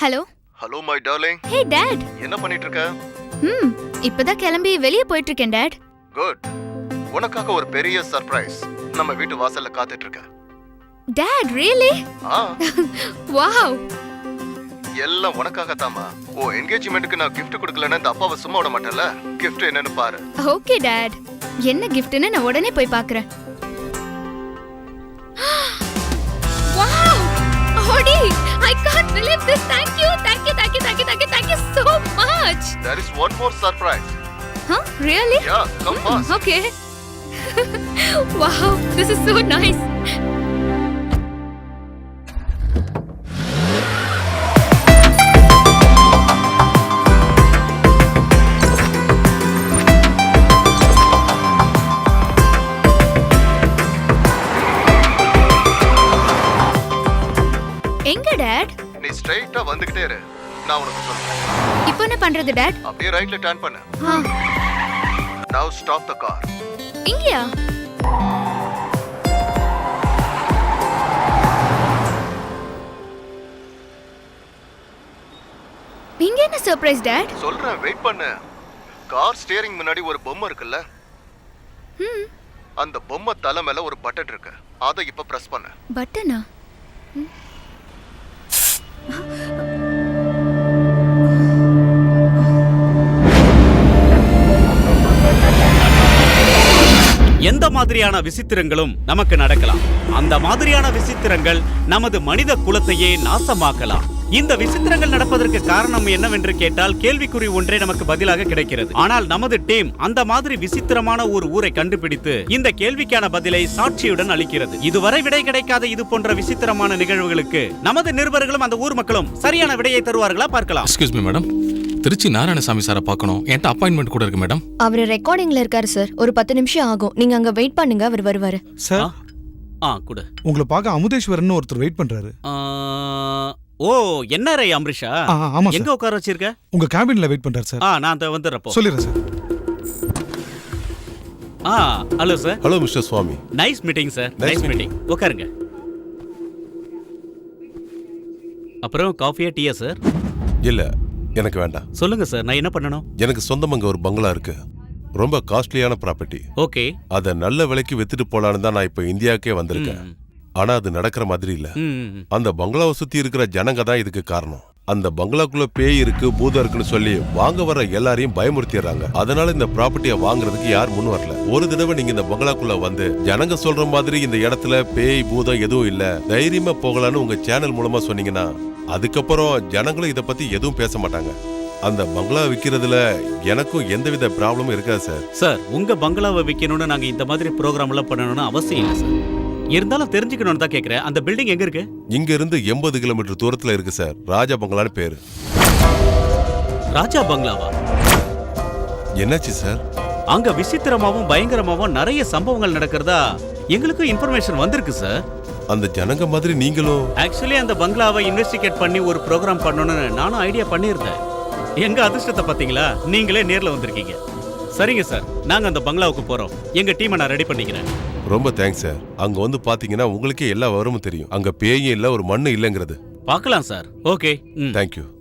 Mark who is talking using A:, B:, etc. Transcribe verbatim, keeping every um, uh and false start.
A: Hello
B: hello my darling.
A: Hey dad.
B: என்ன பண்ணிட்டு இருக்க?
A: ம் இப்பதான் கிளம்பி வெளிய போயிட்டு இருக்கேன் டாட்.
B: குட். உனக்காக ஒரு பெரிய சர்ப்ரைஸ் நம்ம வீட்டு வாசல்ல காத்துட்டு இருக்க.
A: Dad really?
B: ஆ.
A: வாவ்.
B: எல்லாம் உனக்காக தாமா. ஓ என்கேஜ்மென்ட்க்கு நான் gift கொடுக்கலன்னா இந்த அப்பாவை சும்மா விட மாட்டேன்ல. gift என்னன்னு பாரு.
A: Okay dad. என்ன giftன்னு நான் உடனே போய் பார்க்கறேன். வாவ்! ஓடி! I can't believe this. Thank you. Thank you. Thank you. Thank you. Thank you. Thank you so much.
B: There is one more surprise.
A: Huh? Really?
B: Yeah, come
A: mm,
B: fast.
A: Okay. Wow, this is so nice. எங்க dad?
B: நீ ஸ்ட்ரைட்டா வந்துகிட்டே இரு. நான் உனக்கு சொல்றேன்.
A: இப்போ என்ன பண்றது டாட்?
B: அப்படியே ரைட்ல டர்ன் பண்ணு.
A: ஆ.
B: Now stop the car.
A: இங்கயா? இங்க என்ன சர்ப்ரைஸ் டாட்?
B: சொல்றேன் வெயிட் பண்ணு. கார் ஸ்டியரிங் முன்னாடி ஒரு பொம்மை இருக்குல்ல?
A: ம்.
B: அந்த பொம்மை தலை மேல ஒரு பட்டன் இருக்கு. அதை இப்ப பிரஸ் பண்ணு.
A: பட்டனா?
C: எந்த மாதிரியான விசித்திரங்களும் நமக்கு நடக்கலாம். அந்த மாதிரியான விசித்திரங்கள் நமது மனித குலத்தையே நாசமாக்கலாம். இந்த விசித்திரங்கள் நடப்பதற்கு காரணம் என்னவென்று கேட்டால் கேள்விக்குறி ஒன்றே நமக்கு பதிலாக கிடைக்கிறது. ஆனால் நமது டீம் அந்த மாதிரி விசித்திரமான ஒரு ஊரை கண்டுபிடித்து இந்த கேள்விக்கான பதிலை சாட்சியுடன் அளிக்கிறது. இதுவரை விடை கிடைக்காத இது போன்ற விசித்திரமான நிகழ்வுகளுக்கு நமது நிருபர்களும் அந்த ஊர் மக்களும் சரியான விடையை தருவார்களா பார்க்கலாம்.
D: Excuse me madam, Trichy Narayanasamy சாரை பார்க்கணும். என்கிட்ட அப்பாயின்மெண்ட் கூட இருக்கு மேடம்.
E: அவர் ரெக்கார்டிங்ல இருக்காரு சார். ஒரு பத்து நிமிஷம் ஆகும். நீங்க அங்க வெயிட் பண்ணுங்க, அவர் வருவாரு.
F: சார்
C: ஆ கூட
F: உங்களை பார்க்க அமுதேஸ்வரன் ஒருத்தர் வெயிட் பண்றாரு.
C: ஓ என்ஆர்ஐ அம்ரிஷா?
F: ஆ, ஆமா
C: எங்க
F: சார்.
C: உட்கார வச்சிருக்க?
F: உங்க கேபின்ல வெயிட் பண்றாரு சார்.
C: ஆ நான் அந்த வந்துறப்போ
F: சொல்லிடுறேன் சார்.
C: ஆ hello sir.
G: Hello mister Swamy.
C: Nice meeting sir.
G: Nice
C: nice meeting. உட்காருங்க. அப்புறம் காஃபியா டீயா சார்?
G: இல்ல எனக்கு வேண்டாம்.
C: சொல்லுங்க சார், நான் என்ன பண்ணணும்?
G: எனக்கு சொந்தம் அங்க ஒரு பங்களா இருக்கு. ரொம்ப காஸ்ட்லியான ப்ராப்பர்ட்டி.
C: ஓகே.
G: அத நல்ல விலைக்கு வித்துட்டு போலான்னு தான் நான் இப்ப இந்தியாவுக்கே வந்திருக்கேன். ஆனா அது நடக்கிற மாதிரி இல்ல. அந்த பங்களாவை சுத்தி இருக்கிற ஜனங்க தான் இதுக்கு காரணம். அந்த பங்களாக்குள்ள பேய் இருக்கு, பூதம் இருக்குன்னு சொல்லி வாங்க வர எல்லாரையும் பயமுறுத்திடுறாங்க. அதனால இந்த ப்ராப்பர்ட்டியை வாங்குறதுக்கு யார் முன் வரல. ஒரு தடவை நீங்க இந்த பங்களாக்குள்ள வந்து ஜனங்க சொல்ற மாதிரி இந்த இடத்துல பேய் பூதம் எதுவும் இல்ல, தைரியமா போகலான்னு உங்க சேனல் மூலமா சொன்னீங்கன்னா அதுக்கப்புறம் ஜனங்களும் இத பத்தி எதுவும் பேச மாட்டாங்க. அந்த பங்களா விக்கிறதுல எனக்கும் எந்தவித ப்ராப்ளமும் இருக்காது சார்.
C: சார் உங்க பங்களாவை விற்கணும்னு நாங்க இந்த மாதிரி ப்ரோக்ராம் எல்லாம் பண்ணணும்னு அவசியம் இல்லை சார். இருந்தாலும் தெரிஞ்சுக்கணும்னு தான் கேட்கிறேன். அந்த பில்டிங் எங்க இருக்கு?
G: இங்க இருந்து எண்பது கிலோமீட்டர் தூரத்துல இருக்கு சார். ராஜா பங்களான்னு பேரு.
C: ராஜா பங்களாவா?
G: என்னாச்சு சார்?
C: அங்க விசித்திரமாவும் பயங்கரமாவும் நிறைய சம்பவங்கள் நடக்கிறதா எங்களுக்கும் இன்ஃபர்மேஷன் வந்திருக்கு சார்.
G: அந்த ஜனங்க மாதிரி நீங்களும்?
C: ஆக்சுவலி அந்த பங்களாவை இன்வெஸ்டிகேட் பண்ணி ஒரு ப்ரோக்ராம் பண்ணணும்னு நானும் ஐடியா பண்ணியிருந்தேன். எங்க அதிர்ஷ்டத்தை பாத்தீங்களா, நீங்களே நேர்ல வந்திருக்கீங்க. சரிங்க சார், நாங்க அந்த பங்களாவுக்கு போறோம். எங்க டீமை நான் ரெடி பண்ணிக்கிறேன்.
G: ரொம்ப தேங்க்ஸ் சார். அங்க வந்து பாத்தீங்கன்னா உங்களுக்கே எல்லா விவரமும் தெரியும். அங்க பேயும் இல்ல, ஒரு மண்ணு இல்லங்கிறது.
C: பார்க்கலாம் சார். ஓகே.
G: தேங்க்யூ.